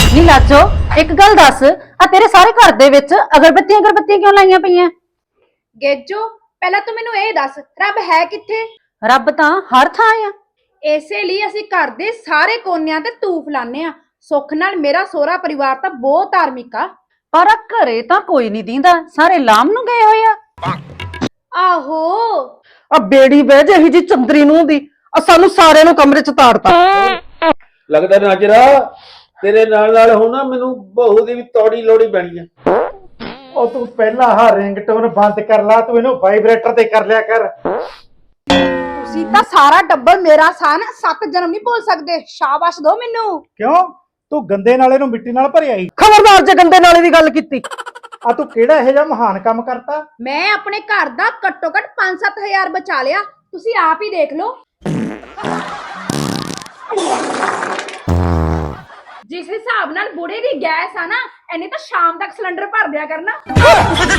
ਨੀ ਲਾਜੋ ਇੱਕ ਗੱਲ ਦੱਸ, ਆ ਤੇਰੇ ਸਾਰੇ ਘਰ ਦੇ ਵਿੱਚ ਅਗਰਬੱਤੀਆਂ ਕਿਉਂ ਲਾਈਆਂ ਪਈਆਂ? ਗੇਜੋ ਪਹਿਲਾਂ ਤੂੰ ਮੈਨੂੰ ਇਹ ਦੱਸ, ਰੱਬ ਹੈ ਕਿੱਥੇ? ਰੱਬ ਤਾਂ ਹਰ ਥਾਂ ਆ। ਇਸੇ ਲਈ ਅਸੀਂ ਘਰ ਦੇ ਸਾਰੇ ਕੋਨਿਆਂ ਤੇ ਧੂਫ ਲਾਣੇ ਆ। ਸੁੱਖ ਨਾਲ ਮੇਰਾ ਸਹੁਰਾ ਪਰਿਵਾਰ ਤਾਂ ਬਹੁਤ ਧਾਰਮਿਕ ਆ। ਪਰ ਘਰੇ ਤਾਂ ਕੋਈ ਨਹੀਂ ਦੀਂਦਾ, ਸਾਰੇ ਲਾਮ ਨੂੰ ਗਏ ਹੋਏ ਆ। ਆਹੋ ਆ ਬੇੜੀ ਬਹਿ ਜੇ ਇਹੀ ਜੀ ਚੰਦਰੀ ਨੂੰ ਦੀ ਆ ਸਾਨੂੰ ਸਾਰਿਆਂ ਨੂੰ ਕਮਰੇ ਚ ਤਾੜਤਾ। ਲੱਗਦਾ ਨਾਜਰਾ ਤੇਰੇ ਨਾਲ ਨਾਲ ਹੁਣ ਨਾ ਮੈਨੂੰ ਬਹੂ ਦੀ ਵੀ ਤੌੜੀ ਲੋੜੀ ਪੈਣੀ ਆ। ਉਹ ਤੂੰ ਪਹਿਲਾਂ ਆਹ ਰਿੰਗਟੋਨ ਬੰਦ ਕਰ ਲਾ, ਤੂੰ ਇਹਨੂੰ ਵਾਈਬ੍ਰੇਟਰ ਤੇ ਕਰ ਲਿਆ ਕਰ। ਤੁਸੀਂ ਤਾਂ ਸਾਰਾ ਟੱਬਰ ਮੇਰਾ ਸਾਨ 7 ਜਨਮ ਨਹੀਂ ਭੁੱਲ ਸਕਦੇ। ਸ਼ਾਬਾਸ਼ ਦੋ ਮੈਨੂੰ। ਕਿਉਂ ਤੂੰ ਗੰਦੇ ਨਾਲੇ ਨੂੰ ਮਿੱਟੀ ਨਾਲ ਭਰਿਆ ਈ? ਖਬਰਦਾਰ ਜੇ ਗੰਦੇ ਨਾਲੇ ਦੀ ਗੱਲ ਕੀਤੀ। ਆ ਤੂੰ ਕਿਹੜਾ ਇਹੋ ਜਿਹਾ ਮਹਾਨ ਕੰਮ ਕਰਤਾ? ਮੈਂ ਆਪਣੇ ਘਰ ਦਾ ਘੱਟੋ ਘੱਟ 5-7 ਹਜ਼ਾਰ ਬਚਾ ਲਿਆ। ਤੁਸੀਂ ਆਪ ਹੀ ਦੇਖ ਲਓ। ਜਿਸ ਹਿਸਾਬ ਨਾਲ ਬੁੜੇ ਦੀ ਗੈਸ ਆ ਨਾ, ਇਹਨੇ ਤਾਂ ਸ਼ਾਮ ਤੱਕ ਸਿਲੰਡਰ ਭਰ ਦਿਆ ਕਰਨਾ।